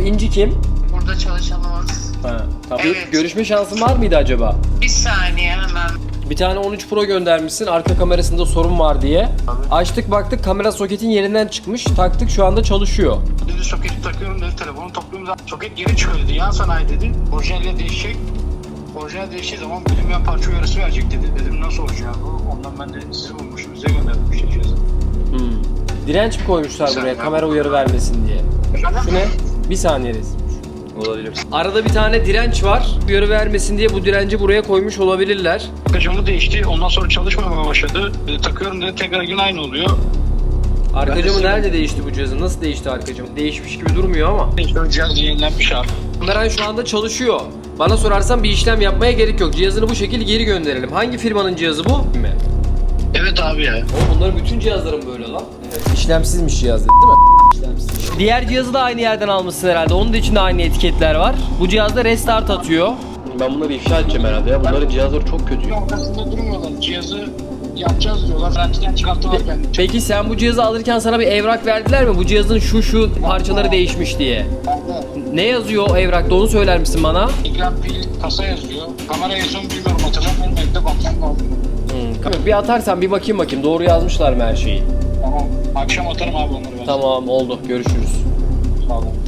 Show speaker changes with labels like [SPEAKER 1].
[SPEAKER 1] İnci kim?
[SPEAKER 2] Burada çalışanımız.
[SPEAKER 1] Ha, tamam.
[SPEAKER 2] Evet.
[SPEAKER 1] Görüşme şansın var mıydı acaba?
[SPEAKER 2] Bir saniye hemen.
[SPEAKER 1] Bir tane 13 Pro göndermişsin arka kamerasında sorun var diye. Açtık baktık kamera soketin yerinden çıkmış. Taktık şu anda çalışıyor.
[SPEAKER 3] Dedi soketi takıyorum dedi, telefonu topluyorum zaten. Soket geri çıkıyor dedi, yan sanayi dedi. Orijinalle değişecek. Orijinal değiştiği zaman bilinmeyen parça uyarısı verecek dedi. Dedim nasıl olacak bu? Ondan ben de sizi bulmuşum, size gönderdim işte cihazı.
[SPEAKER 1] Direnç mi koymuşlar
[SPEAKER 3] Bir
[SPEAKER 1] buraya
[SPEAKER 3] saniye.
[SPEAKER 1] kamera uyarı vermesin diye? Şu ne? Bir saniye resim.
[SPEAKER 4] Olabilir.
[SPEAKER 1] Arada bir tane direnç var. Uyarı vermesin diye bu direnci buraya koymuş olabilirler.
[SPEAKER 3] Camı değişti, ondan sonra çalışmamaya başladı. Takıyorum dedi, tekrar yine aynı oluyor.
[SPEAKER 1] Arka
[SPEAKER 3] Ben de
[SPEAKER 1] camı
[SPEAKER 3] size-
[SPEAKER 1] nerede değişti bu cihazın? Nasıl değişti arka camı? Değişmiş gibi durmuyor ama.
[SPEAKER 3] İşte cihaz yenilenmiş abi.
[SPEAKER 1] Kameran şu anda çalışıyor. Bana sorarsan bir işlem yapmaya gerek yok. Cihazını bu şekilde geri gönderelim. Hangi firmanın cihazı bu? Mi?
[SPEAKER 3] Evet abi ya.
[SPEAKER 1] Oğlum bunların bütün cihazların böyle lan. İşlemsizmiş cihaz dedi değil mi? İşlemsiz. Diğer cihazı da aynı yerden almışsın herhalde. Onun da içinde aynı etiketler var. Bu cihazda restart atıyor.
[SPEAKER 4] Ben bunları ifşa edeceğim herhalde ya. Bunların cihazları çok kötü.
[SPEAKER 3] Ortasında durmuyorlar. Cihazı yapacağız diyorlar. Garantiden çıkarttılar beni.
[SPEAKER 1] Peki sen bu cihazı alırken sana bir evrak verdiler mi? Bu cihazın şu parçaları değişmiş diye. Ne yazıyor o evrakta onu söyler misin bana?
[SPEAKER 3] Ekran, pil, kasa yazıyor. Kamera yazıyor mu bilmiyorum, hatırlamıyorum. Evde bakmam lazım.
[SPEAKER 1] Bir atarsan bir bakayım doğru yazmışlar mı her şeyi?
[SPEAKER 3] Tamam. Akşam atarım abi onları ben.
[SPEAKER 1] Tamam oldu görüşürüz.
[SPEAKER 3] Sağ olun.